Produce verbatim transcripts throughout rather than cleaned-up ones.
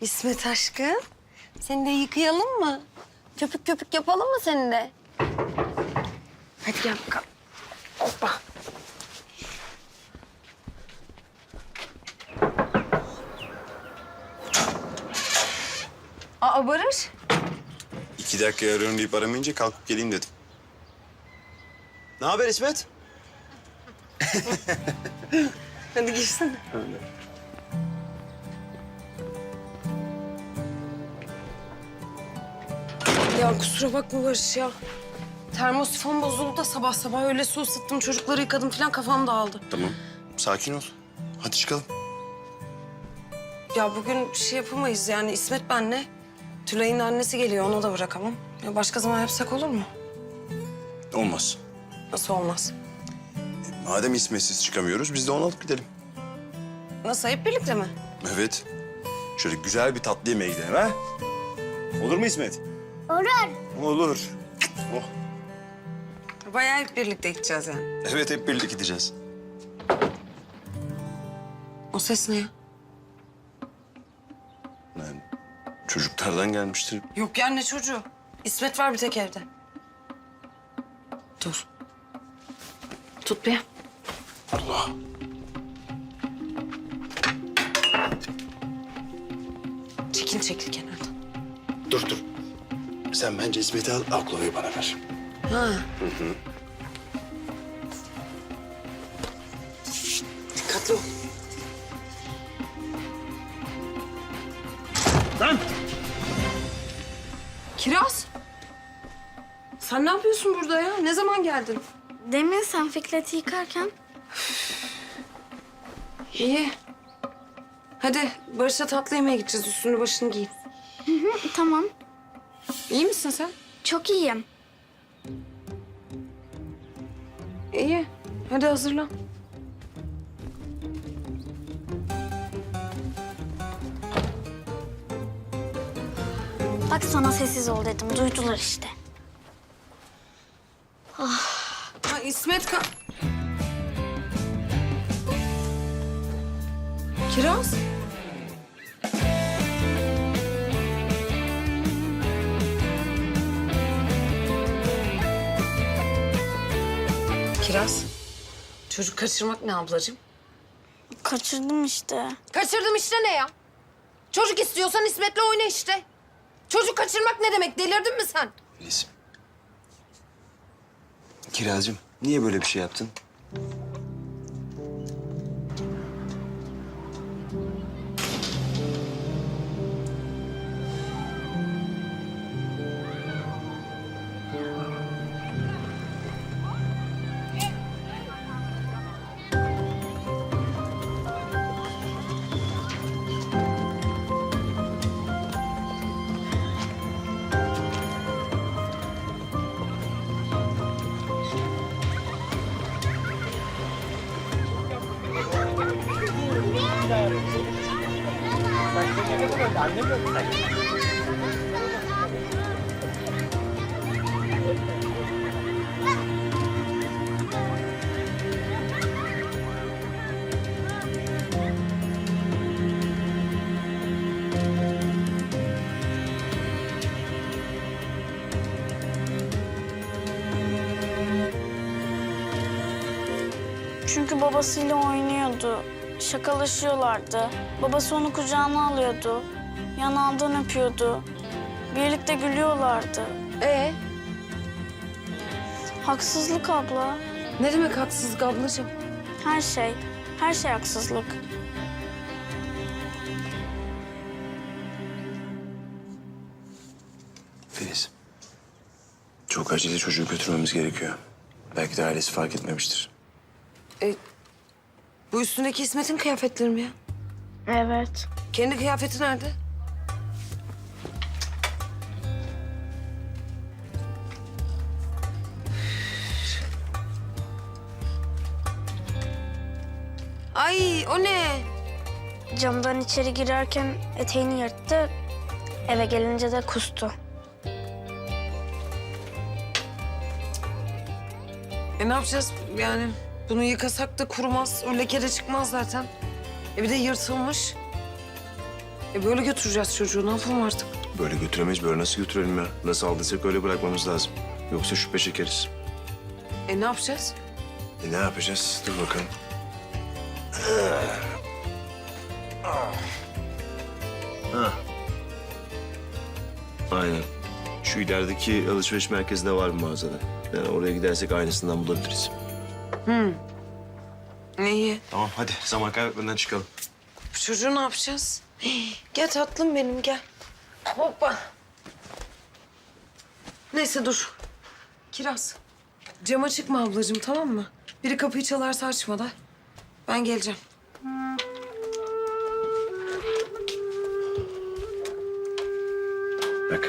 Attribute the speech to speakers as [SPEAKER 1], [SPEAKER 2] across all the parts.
[SPEAKER 1] İsmet aşkım, seni de yıkayalım mı? Köpük köpük yapalım mı seni de? Hadi gel bakalım. Hoppa. Aa Barış.
[SPEAKER 2] İki dakika arıyorum deyip aramayınca kalkıp geleyim dedim. Ne haber İsmet?
[SPEAKER 1] Hadi girsene. Ya kusura bakma Barış ya. Termosifon bozuldu da sabah sabah öyle su ısıttım, çocukları yıkadım falan, kafam dağıldı.
[SPEAKER 2] Tamam. Sakin ol. Hadi çıkalım.
[SPEAKER 1] Ya bugün bir şey yapamayız yani, İsmet benle. Tülay'ın annesi geliyor, onu da bırakamam. Ya başka zaman yapsak olur mu?
[SPEAKER 2] Olmaz.
[SPEAKER 1] Nasıl olmaz?
[SPEAKER 2] Madem İsmet'siz çıkamıyoruz, biz de onu alıp gidelim.
[SPEAKER 1] Nasıl, hep birlikte mi?
[SPEAKER 2] Evet. Şöyle güzel bir tatlı yemeğe gidelim ha? Olur mu İsmet?
[SPEAKER 3] Olur.
[SPEAKER 2] Olur. Oh.
[SPEAKER 1] Bayağı hep birlikte gideceğiz yani.
[SPEAKER 2] Evet, hep birlikte gideceğiz.
[SPEAKER 1] O ses ne ya?
[SPEAKER 2] Yani çocuklardan gelmiştir.
[SPEAKER 1] Yok ya, ne çocuğu? İsmet var bir tek evde. Dur. Tut bir.
[SPEAKER 2] Allah.
[SPEAKER 1] Çekil çekil kenardan.
[SPEAKER 2] Dur dur. Sen bence İsmet'i al, Aklova'yı bana ver.
[SPEAKER 1] Ha. Hı hı. Dikkatli ol.
[SPEAKER 2] Lan!
[SPEAKER 1] Kiraz. Sen ne yapıyorsun burada ya? Ne zaman geldin?
[SPEAKER 3] Demin sen Fikret'i yıkarken
[SPEAKER 1] İyi. Hadi Barış'a tatlı yemeğe gideceğiz. Üstünü başını giy.
[SPEAKER 3] tamam.
[SPEAKER 1] İyi misin sen?
[SPEAKER 3] Çok iyiyim.
[SPEAKER 1] İyi. Hadi hazırlan.
[SPEAKER 3] Bak sana sessiz ol dedim. Duydular işte.
[SPEAKER 1] Ha İsmet ka... Kiraz. Kiraz. Çocuk kaçırmak ne ablacığım?
[SPEAKER 3] Kaçırdım işte.
[SPEAKER 1] Kaçırdım işte ne ya? Çocuk istiyorsan İsmet'le oyna işte. Çocuk kaçırmak ne demek? Delirdin mi sen?
[SPEAKER 2] Filiz. Kirazcığım, niye böyle bir şey yaptın?
[SPEAKER 3] Çünkü babasıyla oynuyordu. Şakalaşıyorlardı. Babası onu kucağına alıyordu. Yanağından öpüyordu. Birlikte gülüyorlardı.
[SPEAKER 1] Ee,
[SPEAKER 3] Haksızlık abla.
[SPEAKER 1] ne demek haksızlık ablacığım?
[SPEAKER 3] Her şey. Her şey haksızlık.
[SPEAKER 2] Filiz. Çok acele çocuğu götürmemiz gerekiyor. Belki de ailesi fark etmemiştir.
[SPEAKER 1] E, bu üstündeki İsmet'in kıyafetleri mi ya?
[SPEAKER 3] Evet.
[SPEAKER 1] Kendi kıyafeti nerede? Ay o ne?
[SPEAKER 3] Camdan içeri girerken eteğini yırttı. Eve gelince de kustu.
[SPEAKER 1] E ne yapacağız yani? Bunu yıkasak da kurumaz, o leke de çıkmaz zaten. E bir de yırtılmış. E böyle götüreceğiz çocuğu. Ne yapalım artık?
[SPEAKER 2] Böyle götüremeyiz. Böyle nasıl götürelim ya? Nasıl aldıysak öyle bırakmamız lazım. Yoksa şüphe çekeriz.
[SPEAKER 1] E ne yapacağız?
[SPEAKER 2] E ne yapacağız? Dur bakalım. Ha. Aynen. Şu ilerideki alışveriş merkezinde var bir mağazada. Yani oraya gidersek aynısından bulabiliriz.
[SPEAKER 1] İyi.
[SPEAKER 2] Tamam hadi zaman kaybetmeden çıkalım.
[SPEAKER 1] Bu çocuğu ne yapacağız? Hii, gel tatlım benim gel. Hoppa. Neyse dur. Kiraz. Cama çıkma ablacığım tamam mı? Biri kapıyı çalarsa açma da. Ben geleceğim.
[SPEAKER 2] Bak.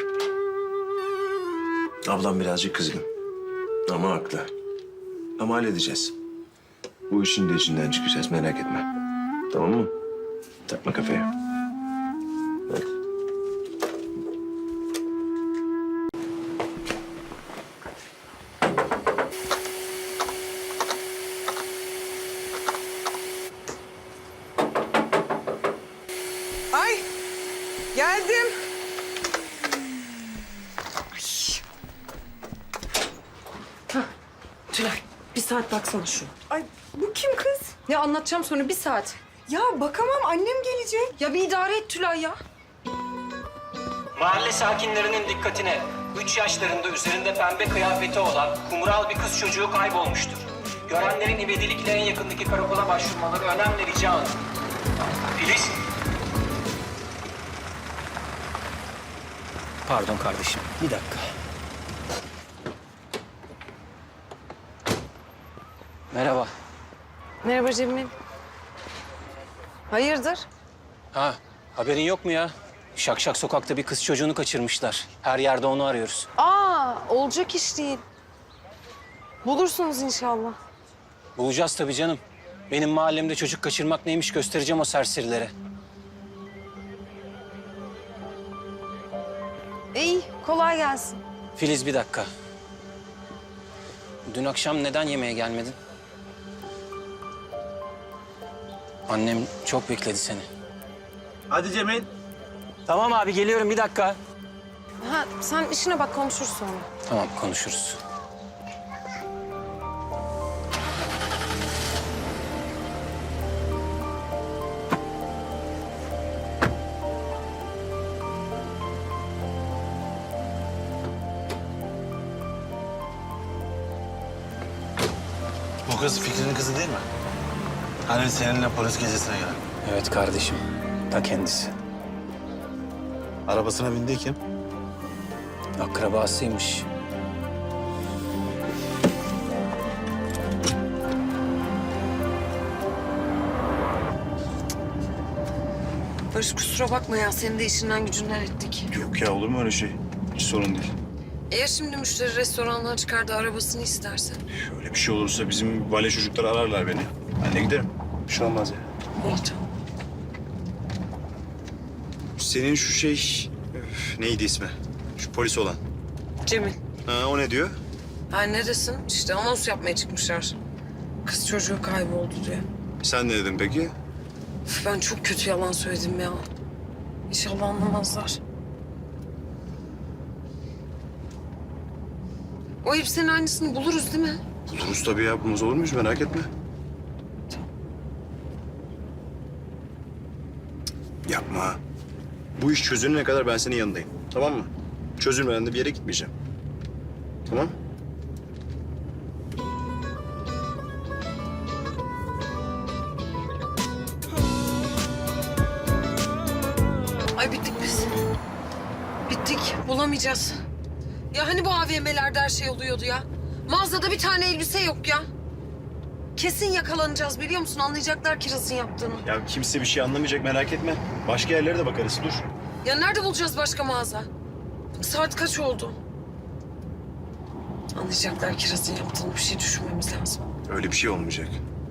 [SPEAKER 2] Ablam birazcık kızgın. Ama haklı. Ama halledeceğiz. Bu işin de içinden çıkacağız merak etme. Tamam mı? Takma kafaya. Hadi.
[SPEAKER 4] Ay, geldim.
[SPEAKER 1] Tülay bir saat baksana şu.
[SPEAKER 4] Ay, bu kim kız?
[SPEAKER 1] Ya anlatacağım sonra bir saat.
[SPEAKER 4] Ya bakamam, annem gelecek.
[SPEAKER 1] Ya bir idare et Tülay ya.
[SPEAKER 5] Mahalle sakinlerinin dikkatine. Üç yaşlarında üzerinde pembe kıyafeti olan kumral bir kız çocuğu kaybolmuştur. Görenlerin ivedilikle en yakındaki karakola başvurmaları önemli rica alın. Filiz. Pardon kardeşim, bir dakika. Merhaba.
[SPEAKER 1] Merhaba Cemil. Hayırdır?
[SPEAKER 5] Ha, haberin yok mu ya? Şakşak sokakta bir kız çocuğunu kaçırmışlar. Her yerde onu arıyoruz.
[SPEAKER 1] Aa olacak iş değil. Bulursunuz inşallah.
[SPEAKER 5] Bulacağız tabii canım. Benim mahallemde çocuk kaçırmak neymiş göstereceğim o serserilere.
[SPEAKER 1] İyi kolay gelsin.
[SPEAKER 5] Filiz bir dakika. Dün akşam neden yemeğe gelmedin? Annem çok bekledi seni.
[SPEAKER 6] Hadi Cemil.
[SPEAKER 5] Tamam abi geliyorum bir dakika.
[SPEAKER 1] Ha sen işine bak konuşuruz sonra.
[SPEAKER 5] Tamam konuşuruz.
[SPEAKER 6] Bu kız Fikri'nin kızı değil mi? Hani seninle polis gezisine gelen.
[SPEAKER 5] Evet kardeşim. Ta kendisi.
[SPEAKER 6] Arabasına bindiği kim?
[SPEAKER 5] Akrabasıymış.
[SPEAKER 1] Barış kusura bakma ya senin de işinden gücünden ettik.
[SPEAKER 2] Yok ya olur mu öyle şey? Hiç sorun değil.
[SPEAKER 1] Eğer şimdi müşteri restorandan çıkardı arabasını isterse.
[SPEAKER 2] Öyle bir şey olursa bizim vale çocuklar ararlar beni. Ben de giderim. Bir şey olmaz ya.
[SPEAKER 1] İyi tamam.
[SPEAKER 2] Senin şu şey... öf, neydi ismi? Şu polis olan.
[SPEAKER 1] Cemil.
[SPEAKER 2] Ha, o ne diyor?
[SPEAKER 1] Ha neredesin? İşte anons yapmaya çıkmışlar. Kız çocuğu kayboldu diye.
[SPEAKER 2] Sen ne dedin peki?
[SPEAKER 1] Üf, ben çok kötü yalan söyledim ya. İnşallah anlamazlar. O hepsinin aynısını buluruz değil mi?
[SPEAKER 2] Buluruz tabii ya. Bulmaz olur muyuz? Merak etme. Cık, yapma. Bu iş çözülene kadar ben senin yanındayım. Tamam mı? Çözülmeden de bir yere gitmeyeceğim. Tamam?
[SPEAKER 1] Ay bittik biz. Bittik. Bulamayacağız. Ya hani bu A V M'lerde her şey oluyordu ya? Mağazada bir tane elbise yok ya. Kesin yakalanacağız biliyor musun? Anlayacaklar Kiraz'ın yaptığını.
[SPEAKER 2] Ya kimse bir şey anlamayacak merak etme. Başka yerlere de bakarız. Dur.
[SPEAKER 1] Ya nerede bulacağız başka mağaza? Saat kaç oldu? Anlayacaklar Kiraz'ın yaptığını. Bir şey düşünmemiz lazım.
[SPEAKER 2] Öyle bir şey olmayacak.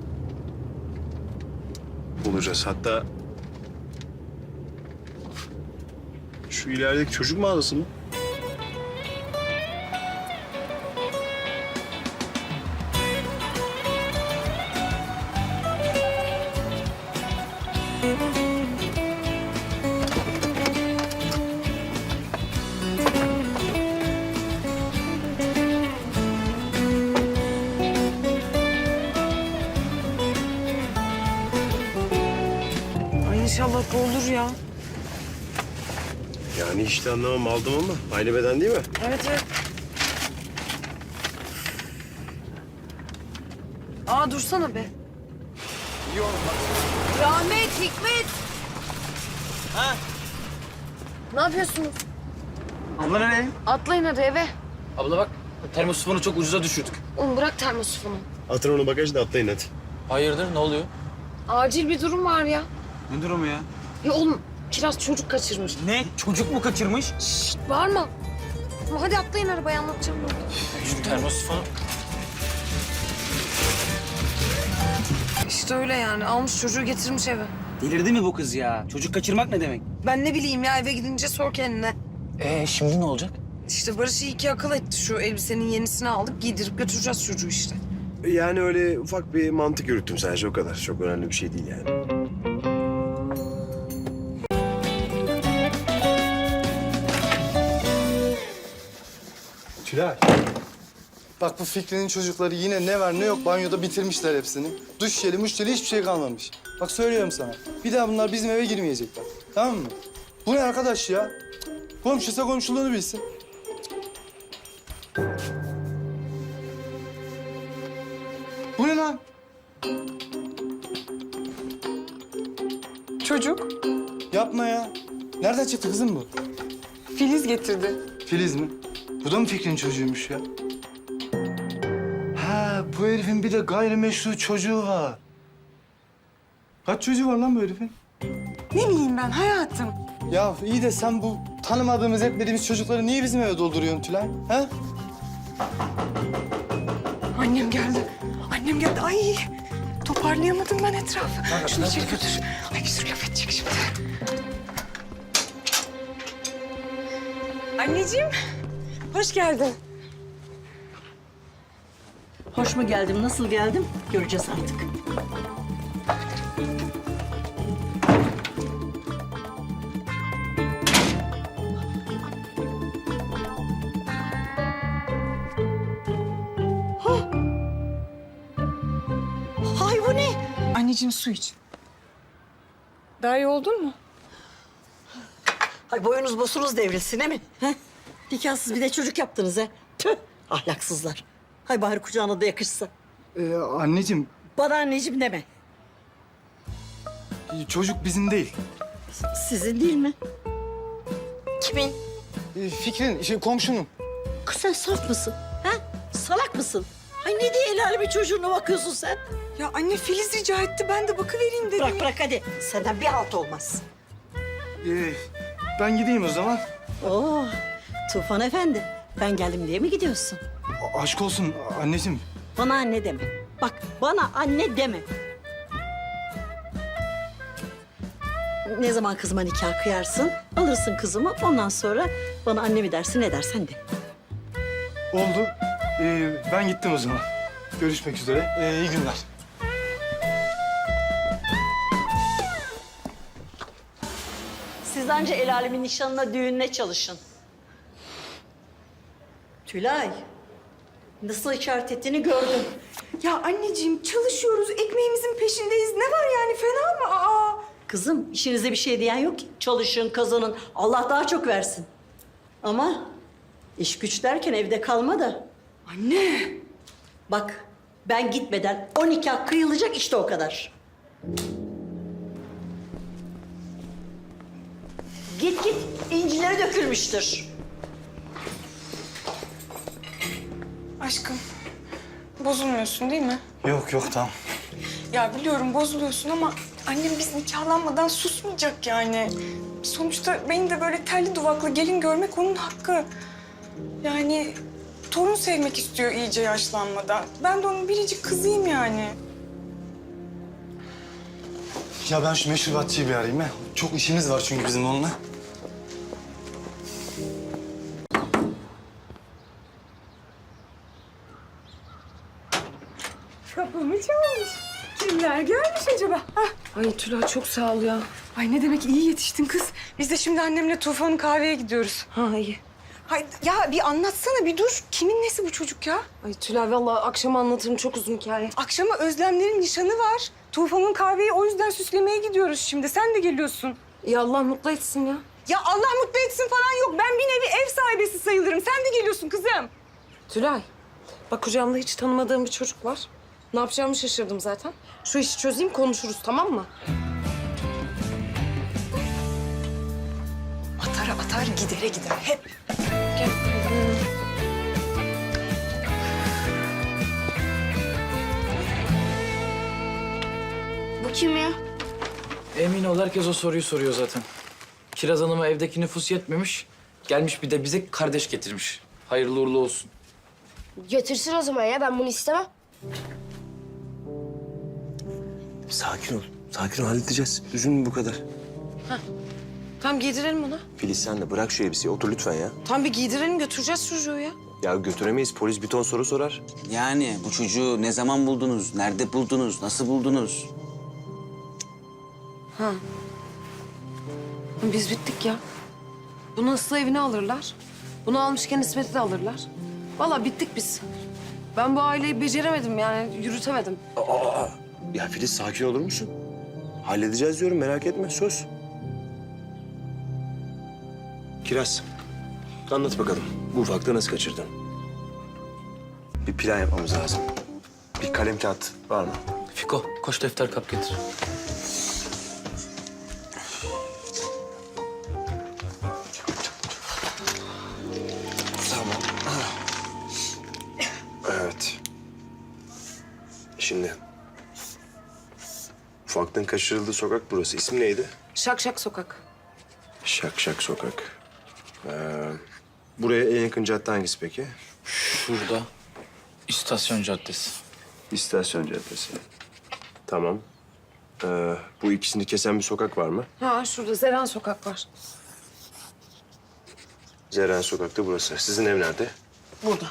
[SPEAKER 2] Bulacağız. Hatta... Şu ilerideki çocuk mağazası mı?
[SPEAKER 1] İnşallah bu olur ya.
[SPEAKER 2] Yani işte anlamam aldım ama aynı beden değil mi?
[SPEAKER 1] Evet evet. Aa dursana be. Rahmet, Hikmet.
[SPEAKER 7] Ha?
[SPEAKER 1] Ne yapıyorsunuz?
[SPEAKER 7] Abla nereye?
[SPEAKER 1] Atlayın hadi eve.
[SPEAKER 7] Abla bak termosifonu çok ucuza düşürdük.
[SPEAKER 1] Oğlum bırak termosifonu.
[SPEAKER 2] Atın onu bagajda atlayın hadi.
[SPEAKER 7] Hayırdır ne oluyor?
[SPEAKER 1] Acil bir durum var ya.
[SPEAKER 7] Ne durumu ya?
[SPEAKER 1] Ya oğlum Kiraz çocuk kaçırmış.
[SPEAKER 7] Ne? Çocuk mu kaçırmış?
[SPEAKER 1] Şşt bağırma. Ama hadi atlayın arabaya anlatacağım.
[SPEAKER 7] Şu termosifonu.
[SPEAKER 1] İşte öyle yani. Almış çocuğu getirmiş eve.
[SPEAKER 8] Delirdi mi bu kız ya? Çocuk kaçırmak ne demek?
[SPEAKER 1] Ben ne bileyim ya eve gidince sor kendine.
[SPEAKER 7] Ee şimdi ne olacak?
[SPEAKER 1] İşte Barış iyi ki akıl etti. Şu elbisenin yenisini aldık giydirip götüreceğiz çocuğu işte.
[SPEAKER 2] Yani öyle ufak bir mantık yürüttüm sadece o kadar. Çok önemli bir şey değil yani.
[SPEAKER 9] Tülay. Bak bu Fikri'nin çocukları yine ne var ne yok banyoda bitirmişler hepsini. Duş jeli, muş jeli hiçbir şey kalmamış. Bak söylüyorum sana. Bir daha bunlar bizim eve girmeyecekler. Tamam mı? Bu ne arkadaş ya? Komşuysa komşuluğunu bilsin. Bu ne lan?
[SPEAKER 4] Çocuk
[SPEAKER 9] Yapma ya. Nereden çıktı kızım bu?
[SPEAKER 4] Filiz getirdi.
[SPEAKER 9] Filiz mi? Bu da mı Fikri'nin çocuğuymuş ya? Ha, bu herifin bir de gayrimeşru çocuğu var. Kaç çocuğu var lan bu herifin?
[SPEAKER 4] Ne bileyim ben hayatım.
[SPEAKER 9] Ya iyi de sen bu tanımadığımız, etmediğimiz çocukları niye bizim eve dolduruyorsun Tülay? Ha?
[SPEAKER 4] Annem geldi. Annem geldi. Ay toparlayamadım ben etrafı. Şunu içeri götür. Ay bir sürü laf edecek şimdi. Anneciğim hoş geldin.
[SPEAKER 10] Hoş mu geldim, nasıl geldim göreceğiz artık. Hay bu ne?
[SPEAKER 4] Anneciğim su iç. Daha iyi oldun mu?
[SPEAKER 10] Hay boyunuz bosunuz devrilsin he mi? He? Nikahsız bir de çocuk yaptınız ha. Tüh ahlaksızlar. Hay bari kucağına da yakışsa.
[SPEAKER 9] Ee, anneciğim,
[SPEAKER 10] Bana anneciğim deme.
[SPEAKER 9] çocuk bizim değil.
[SPEAKER 10] Sizin değil mi? Kimin?
[SPEAKER 9] Ee, Fikri'nin, şey, komşunun.
[SPEAKER 10] Kız sen saf mısın? Ha? Salak mısın? Ay ne diye el alemin çocuğuna bakıyorsun sen?
[SPEAKER 4] Ya anne Filiz rica etti ben de bakıvereyim dedim.
[SPEAKER 10] Bırak bırak hadi. Senden bir halt olmaz.
[SPEAKER 9] Ee, ben gideyim o zaman.
[SPEAKER 10] Oo, Tufan Efendi. Ben geldim diye mi gidiyorsun?
[SPEAKER 9] A- aşk olsun anneciğim.
[SPEAKER 10] Bana anne deme. Bak bana anne deme. Ne zaman kızıma nikah kıyarsın, alırsın kızımı. Ondan sonra bana anne mi dersin, ne dersen de.
[SPEAKER 9] Oldu. Ee, ben gittim o zaman. Görüşmek üzere. Ee, iyi günler.
[SPEAKER 10] Siz anca el alemin nişanına, düğününe çalışın. Tülay, nasıl işaret ettiğini gördüm.
[SPEAKER 4] Ya anneciğim çalışıyoruz ekmeğimizin peşindeyiz. Ne var yani fena mı? Aa.
[SPEAKER 10] Kızım, işinize bir şey diyen yok ki. Çalışın, kazanın. Allah daha çok versin. Ama iş güç derken evde kalma da.
[SPEAKER 4] Anne.
[SPEAKER 10] Bak, ben gitmeden o nikah kıyılacak işte o kadar. Git git, incileri dökülmüştür.
[SPEAKER 4] Aşkım bozulmuyorsun değil mi?
[SPEAKER 9] Yok yok tamam.
[SPEAKER 4] Ya biliyorum bozuluyorsun ama annem biz nikahlanmadan susmayacak yani. Sonuçta beni de böyle terli duvaklı gelin görmek onun hakkı. Yani torun sevmek istiyor iyice yaşlanmadan. Ben de onun biricik kızıyım yani.
[SPEAKER 9] Ya ben şu meşrubatçıyı bir arayayım ha. Çok işimiz var çünkü bizim onunla.
[SPEAKER 4] Kapımı çalmış. Kimler gelmiş acaba? Hah.
[SPEAKER 1] Ay Tülay çok sağ ol ya.
[SPEAKER 4] Ay ne demek iyi yetiştin kız. Biz de şimdi annemle Tufan'ın kahveye gidiyoruz.
[SPEAKER 1] Ha iyi.
[SPEAKER 4] Hay, ya bir anlatsana bir dur. Kimin nesi bu çocuk ya?
[SPEAKER 1] Ay Tülay vallahi akşam anlatırım çok uzun hikaye.
[SPEAKER 4] Akşama Özlemlerin nişanı var. Tufan'ın kahveyi o yüzden süslemeye gidiyoruz şimdi. Sen de geliyorsun.
[SPEAKER 1] Ya Allah mutlu etsin ya.
[SPEAKER 4] Ya Allah mutlu etsin falan yok. Ben bir nevi ev sahibesi sayılırım. Sen de geliyorsun kızım.
[SPEAKER 1] Tülay bak kucağımda hiç tanımadığım bir çocuk var. Ne yapacağımı şaşırdım zaten. Şu işi çözeyim konuşuruz tamam mı?
[SPEAKER 4] Atar atar gidere gider hep.
[SPEAKER 1] Gel.
[SPEAKER 3] Bu kim ya?
[SPEAKER 7] Emin ol herkes o soruyu soruyor zaten. Kiraz Hanım'a evdeki nüfus yetmemiş. Gelmiş bir de bize kardeş getirmiş. Hayırlı uğurlu olsun.
[SPEAKER 3] Götürsün o zaman ya. Ben bunu istemem.
[SPEAKER 2] Sakin ol. Sakin ol halledeceğiz. Üzülme bu kadar.
[SPEAKER 1] Tamam giydirelim ona.
[SPEAKER 2] Filiz sen de bırak şu elbiseyi. Otur lütfen ya.
[SPEAKER 1] Tam bir giydirelim götüreceğiz çocuğu ya.
[SPEAKER 2] Ya götüremeyiz. Polis bir ton soru sorar.
[SPEAKER 8] Yani bu çocuğu ne zaman buldunuz, nerede buldunuz, nasıl buldunuz?
[SPEAKER 1] Biz bittik ya. Bunu ıslı evine alırlar. Bunu almışken İsmet'i de alırlar. Vallahi bittik biz. Ben bu aileyi beceremedim yani yürütemedim.
[SPEAKER 2] Ya Filiz sakin olur musun? Halledeceğiz diyorum merak etme söz. Kiraz, anlat bakalım. Bu ufaklığı nasıl kaçırdın? Bir plan yapmamız lazım. Bir kalem kağıt var mı?
[SPEAKER 7] Fiko koş defter kap getir.
[SPEAKER 2] Tamam. Evet. Şimdi... Ufaklığın kaçırıldığı sokak burası. İsmi neydi?
[SPEAKER 1] Şak şak sokak.
[SPEAKER 2] Şak Şak Sokak. Ee, buraya en yakın cadde hangisi peki?
[SPEAKER 7] Şurada istasyon caddesi.
[SPEAKER 2] İstasyon Caddesi. Tamam. Ee, bu ikisini kesen bir sokak var mı?
[SPEAKER 1] Ha şurada Zeren sokak var.
[SPEAKER 2] Zeren Sokak'ta burası. Sizin ev nerede?
[SPEAKER 1] Burada.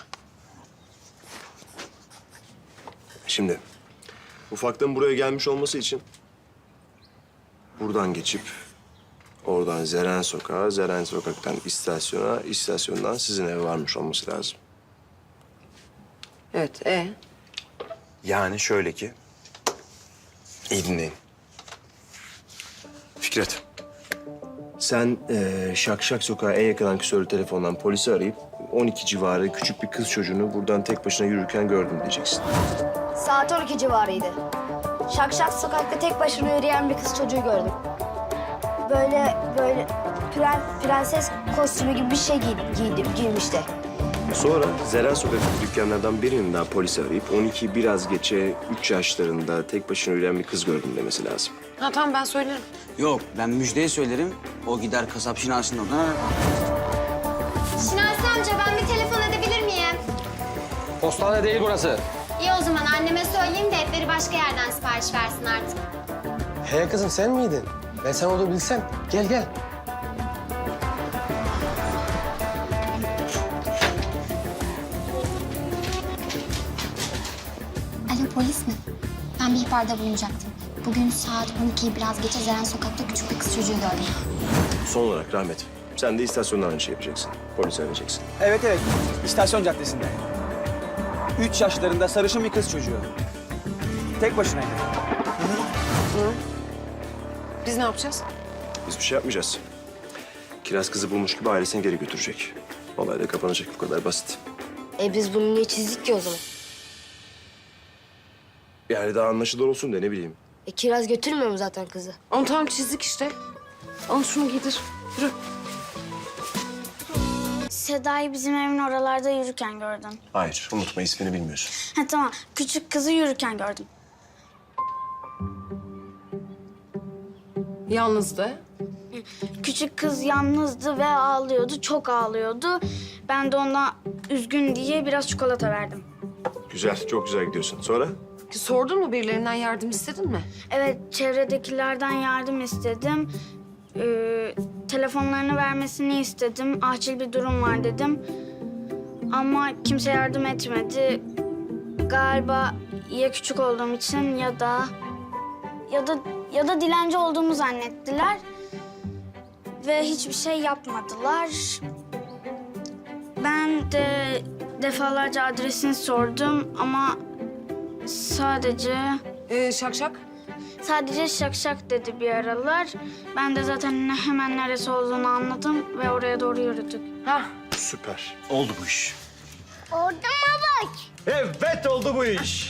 [SPEAKER 2] Şimdi ufaklığın buraya gelmiş olması için buradan geçip oradan Zeren Sokak'a, Zeren Sokak'tan istasyona, istasyondan sizin eve varmış olması lazım.
[SPEAKER 1] Evet e.
[SPEAKER 2] Yani şöyle ki... İyi dinleyin. Fikret. Sen eee Şak Şak Sokak'a en yakın ankesörlü telefondan polisi arayıp... on iki civarı küçük bir kız çocuğunu buradan tek başına yürürken gördüm diyeceksin.
[SPEAKER 3] Saat on iki civarıydı. Şak şak sokakta tek başına yürüyen bir kız çocuğu gördüm. Böyle böyle pren, prenses kostümü gibi bir şey giydi, giydi, giymişti.
[SPEAKER 2] Sonra Zeren Sokak'taki dükkanlardan birinin daha polisi arayıp... on iki biraz geçe üç yaşlarında tek başına yürüyen bir kız gördüm demesi lazım.
[SPEAKER 1] Ha tamam ben söylerim.
[SPEAKER 8] Yok ben Müjde'ye söylerim. O gider kasap Şinasi'nin oradan.
[SPEAKER 11] Şinasi amca ben bir telefon edebilir miyim?
[SPEAKER 5] Postane değil burası.
[SPEAKER 11] İyi o zaman anneme söyleyeyim de etleri başka yerden sipariş versin artık.
[SPEAKER 12] He kızım sen miydin? Ben sen olduğunu bilsem. Gel gel.
[SPEAKER 11] Alo polis mi? Ben bir ihbarda bulunacaktım. Bugün saat on ikiyi biraz geçe Zeren Sokak'ta küçük bir kız çocuğu gördüm.
[SPEAKER 2] Son olarak Rahmet, sen de istasyonda aynı şey yapacaksın. Polisi arayacaksın.
[SPEAKER 7] Evet evet istasyon caddesinde. Üç yaşlarında sarışın bir kız çocuğu. Tek başınaydı.
[SPEAKER 1] Biz ne yapacağız?
[SPEAKER 2] Biz bir şey yapmayacağız. Kiraz kızı bulmuş gibi ailesine geri götürecek. Olay da kapanacak, bu kadar basit.
[SPEAKER 3] E biz bunu niye çizdik ki o zaman?
[SPEAKER 2] Yani daha anlaşılır olsun da ne bileyim.
[SPEAKER 3] E Kiraz götürmüyor mu zaten kızı?
[SPEAKER 1] Onu tamam çizdik işte. Al şunu giydir. Yürü.
[SPEAKER 3] Seda'yı bizim evin oralarda yürürken gördüm.
[SPEAKER 2] Hayır, unutma ismini bilmiyorsun.
[SPEAKER 3] Ha tamam, küçük kızı yürürken gördüm.
[SPEAKER 1] Yalnızdı.
[SPEAKER 3] Küçük kız yalnızdı ve ağlıyordu, çok ağlıyordu. Ben de ona üzgün diye biraz çikolata verdim.
[SPEAKER 2] Güzel, çok güzel gidiyorsun. Sonra?
[SPEAKER 1] Sordun mu birilerinden yardım istedin mi?
[SPEAKER 3] Evet, çevredekilerden yardım istedim. Ee, telefonlarını vermesini istedim. Acil bir durum var dedim. Ama kimse yardım etmedi. Galiba ya küçük olduğum için ya da ya da ya da dilenci olduğumu zannettiler ve hiçbir şey yapmadılar. Ben de defalarca adresini sordum ama sadece...
[SPEAKER 1] Ee, şak şak.
[SPEAKER 3] Sadece şak şak dedi bir aralar. Ben de zaten ne- hemen neresi olduğunu anladım ve oraya doğru yürüdük.
[SPEAKER 1] Hah.
[SPEAKER 6] Süper. Oldu bu iş.
[SPEAKER 11] Orada mı bak?
[SPEAKER 12] Evet oldu bu iş.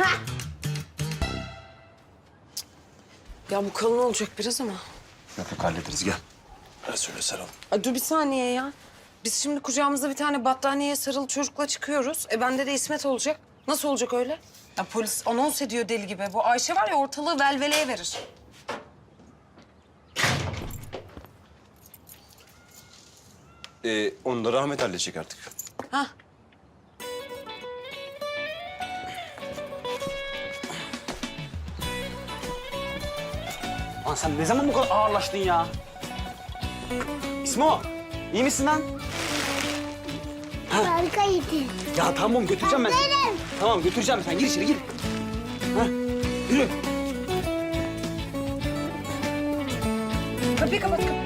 [SPEAKER 1] Ya bu kalın olacak biraz ama.
[SPEAKER 6] Yok yok hallederiz gel. Hadi söyle saralım.
[SPEAKER 1] Ay, dur bir saniye ya. Biz şimdi kucağımızda bir tane battaniyeye sarılı çocukla çıkıyoruz. E bende de İsmet olacak. Nasıl olacak öyle? Ya polis anons ediyor deli gibi. Bu Ayşe var ya ortalığı velveleye verir.
[SPEAKER 2] Ee, onu da Rahmet halledecek artık.
[SPEAKER 1] Hah.
[SPEAKER 8] Lan sen ne zaman bu kadar ağırlaştın ya? İsmo, iyi misin lan?
[SPEAKER 11] Harikaydı.
[SPEAKER 8] Ya tamam götüreceğim ben seni. Tamam götüreceğim sen gir içeri gir. Ha, yürü.
[SPEAKER 1] Kapıyı kapat kapıyı.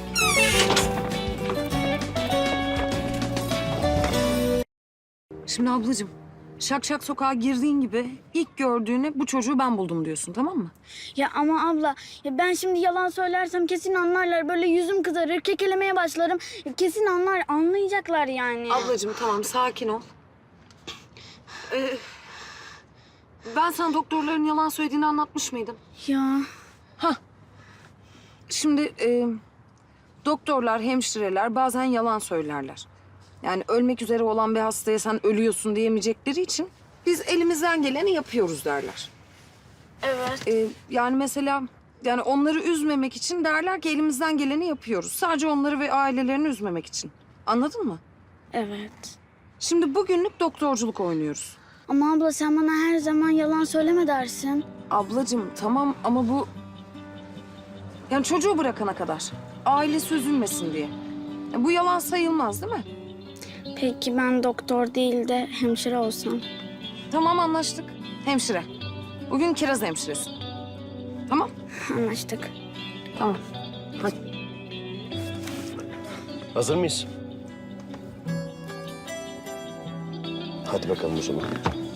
[SPEAKER 1] Şimdi ablacığım, şak şak sokağa girdiğin gibi ilk gördüğünü bu çocuğu ben buldum diyorsun, tamam mı?
[SPEAKER 3] Ya ama abla, ya ben şimdi yalan söylersem kesin anlarlar. Böyle yüzüm kızarır, kekelemeye başlarım. Kesin anlar, anlayacaklar yani.
[SPEAKER 1] Ablacığım tamam sakin ol. Ee, ben sana doktorların yalan söylediğini anlatmış mıydım?
[SPEAKER 3] Ya
[SPEAKER 1] Şimdi e, doktorlar, hemşireler bazen yalan söylerler. Yani ölmek üzere olan bir hastaya sen ölüyorsun diyemeyecekleri için biz elimizden geleni yapıyoruz derler.
[SPEAKER 3] evet.
[SPEAKER 1] E, yani mesela yani onları üzmemek için derler ki elimizden geleni yapıyoruz. Sadece onları ve ailelerini üzmemek için. Anladın mı?
[SPEAKER 3] Evet.
[SPEAKER 1] Şimdi bugünlük doktorculuk oynuyoruz.
[SPEAKER 3] Ama abla sen bana her zaman yalan söyleme dersin.
[SPEAKER 1] Ablacığım tamam ama bu... Yani çocuğu bırakana kadar. Ailesi üzülmesin diye. Ya bu yalan sayılmaz değil mi?
[SPEAKER 3] Peki ben doktor değil de hemşire olsam?
[SPEAKER 1] Tamam anlaştık. Hemşire. Bugün kiraz hemşiresi. Tamam.
[SPEAKER 3] Anlaştık.
[SPEAKER 1] Tamam. Hadi.
[SPEAKER 12] Hazır mıyız?
[SPEAKER 2] Hadi bakalım o zaman.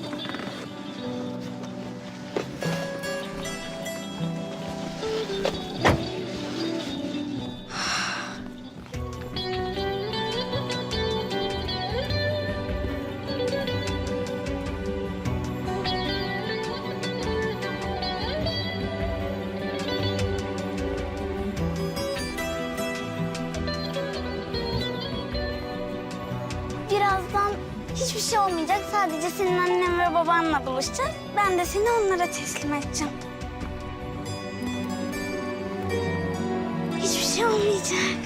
[SPEAKER 3] Birazdan hiçbir şey olmayacak. Sadece senin annen ve babanla buluşacağız. Ben de seni onlara teslim edeceğim. Hiçbir şey olmayacak.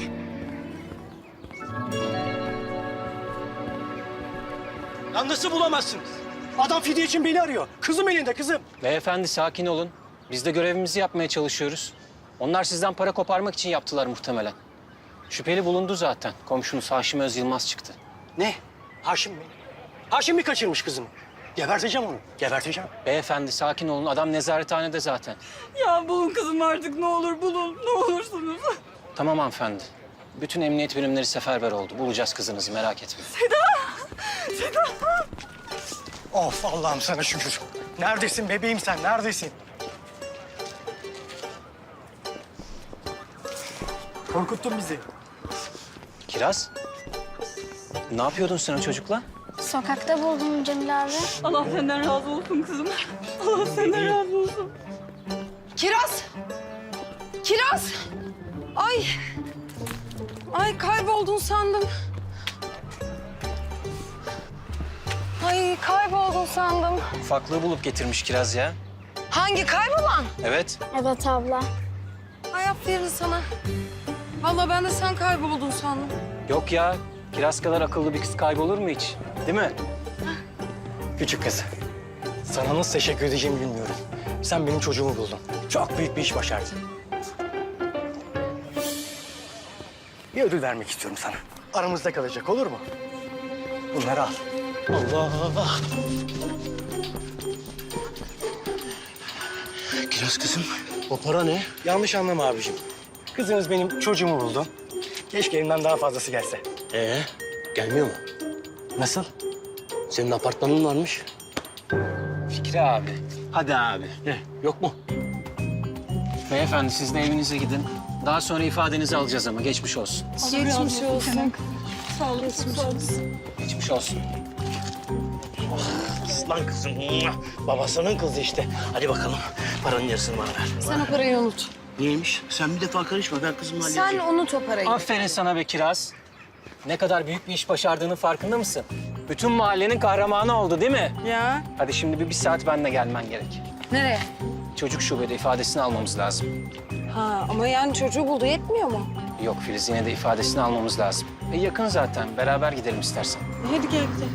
[SPEAKER 12] Ya nasıl bulamazsınız? Adam fidye için beni arıyor. Kızım elinde kızım.
[SPEAKER 5] Beyefendi sakin olun. Biz de görevimizi yapmaya çalışıyoruz. Onlar sizden para koparmak için yaptılar muhtemelen. Şüpheli bulundu zaten. Komşunuz Haşim Öz Yılmaz çıktı.
[SPEAKER 12] Ne? Haşim mi? Haşim mi kaçırmış kızımı? Geberteceğim onu. Geberteceğim.
[SPEAKER 5] Beyefendi sakin olun. Adam nezarethanede zaten.
[SPEAKER 10] Ya bulun kızım artık ne olur bulun. Ne olursunuz.
[SPEAKER 5] Tamam hanımefendi. Bütün emniyet birimleri seferber oldu. Bulacağız kızınızı merak etmeyin.
[SPEAKER 12] Of Allah'ım sana şükür. Neredesin bebeğim sen? Neredesin? Korkuttun bizi.
[SPEAKER 5] Kiraz. Ne yapıyordun sen o çocukla?
[SPEAKER 3] Sokakta buldum Cemil abi.
[SPEAKER 10] Allah senden razı olsun kızım. Allah senden razı olsun.
[SPEAKER 1] Kiraz! Kiraz! Ay! Ay kayboldun sandım. Ay kayboldun sandım.
[SPEAKER 5] Ufaklığı bulup getirmiş Kiraz ya.
[SPEAKER 1] Hangi kaybolan?
[SPEAKER 5] Evet.
[SPEAKER 3] Evet abla.
[SPEAKER 1] Ay aferin sana. Vallahi ben de sen kayboldun sandım.
[SPEAKER 5] Yok ya. Kiraz kadar akıllı bir kız kaybolur mu hiç? Değil mi?
[SPEAKER 12] Küçük kız. Sana nasıl teşekkür edeceğimi bilmiyorum. Sen benim çocuğumu buldun. Çok büyük bir iş başardın. Bir ödül vermek istiyorum sana. Aramızda kalacak olur mu? Bunları al. Allah Allah.
[SPEAKER 6] Kiraz kızım.
[SPEAKER 12] O para ne? Yanlış anlama abicim. Kızınız benim çocuğumu buldu. Keşke elimden daha fazlası gelse.
[SPEAKER 6] Ee, gelmiyor mu?
[SPEAKER 12] Nasıl? Senin apartmanın varmış.
[SPEAKER 5] Fikri abi.
[SPEAKER 12] Hadi abi. Ne? Yok mu?
[SPEAKER 5] Beyefendi siz de evinize gidin. Daha sonra ifadenizi alacağız ama geçmiş olsun.
[SPEAKER 1] Geçmiş olsun.
[SPEAKER 5] Geçmiş olsun.
[SPEAKER 12] Aslan kızım. Babasının kızı işte. Hadi bakalım. Paranın yarısını bana ver.
[SPEAKER 1] Sen o parayı unut.
[SPEAKER 12] Niyeymiş? Sen bir defa karışma. Ben kızımla halledeceğim.
[SPEAKER 1] Sen unut o parayı.
[SPEAKER 5] Aferin sana be Kiraz. Ne kadar büyük bir iş başardığının farkında mısın? Bütün mahallenin kahramanı oldu değil mi?
[SPEAKER 1] Ya.
[SPEAKER 5] Hadi şimdi bir, bir saat benimle gelmen gerek.
[SPEAKER 1] Nereye?
[SPEAKER 5] Çocuk şubede ifadesini almamız lazım.
[SPEAKER 1] Ha ama yani çocuğu buldu yetmiyor mu?
[SPEAKER 5] Yok Filiz yine de ifadesini almamız lazım. E yakın zaten. Beraber gidelim istersen.
[SPEAKER 1] Hadi gel gidelim.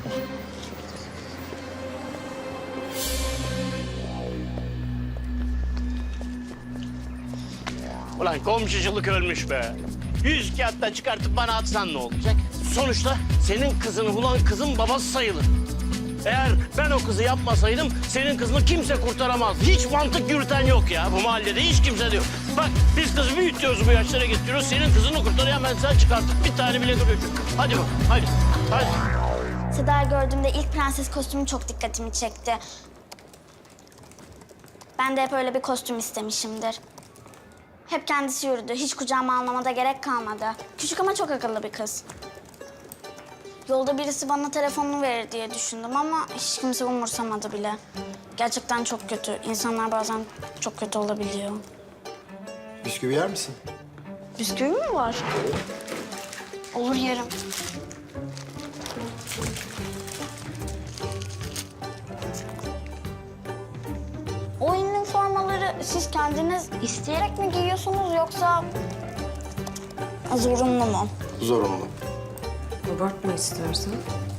[SPEAKER 12] Ulan komşuculuk ölmüş be. Yüz kağıtta çıkartıp bana atsan ne olacak? Sonuçta senin kızını bulan kızın babası sayılır. Eğer ben o kızı yapmasaydım senin kızını kimse kurtaramaz. Hiç mantık yürüten yok ya bu mahallede. Hiç kimse de yok. Bak biz kızı büyütüyoruz bu yaşlara getiriyoruz. Senin kızını kurtarayan ben sen çıkartıp bir tane bile görüyorum. Hadi bak hadi. Hadi.
[SPEAKER 3] Seda'yı gördüğümde ilk prenses kostümü çok dikkatimi çekti. Ben de hep öyle bir kostüm istemişimdir. Hep kendisi yürüdü. Hiç kucağıma almama da gerek kalmadı. Küçük ama çok akıllı bir kız. Yolda birisi bana telefonunu verir diye düşündüm ama hiç kimse umursamadı bile. Gerçekten çok kötü. İnsanlar bazen çok kötü olabiliyor.
[SPEAKER 2] Bisküvi yer misin?
[SPEAKER 3] Bisküvi mi var? Olur yerim. O üniformaları siz kendiniz isteyerek mi giyiyorsunuz yoksa zorunlu mu?
[SPEAKER 2] Zorunlu.
[SPEAKER 1] Abartma istersen.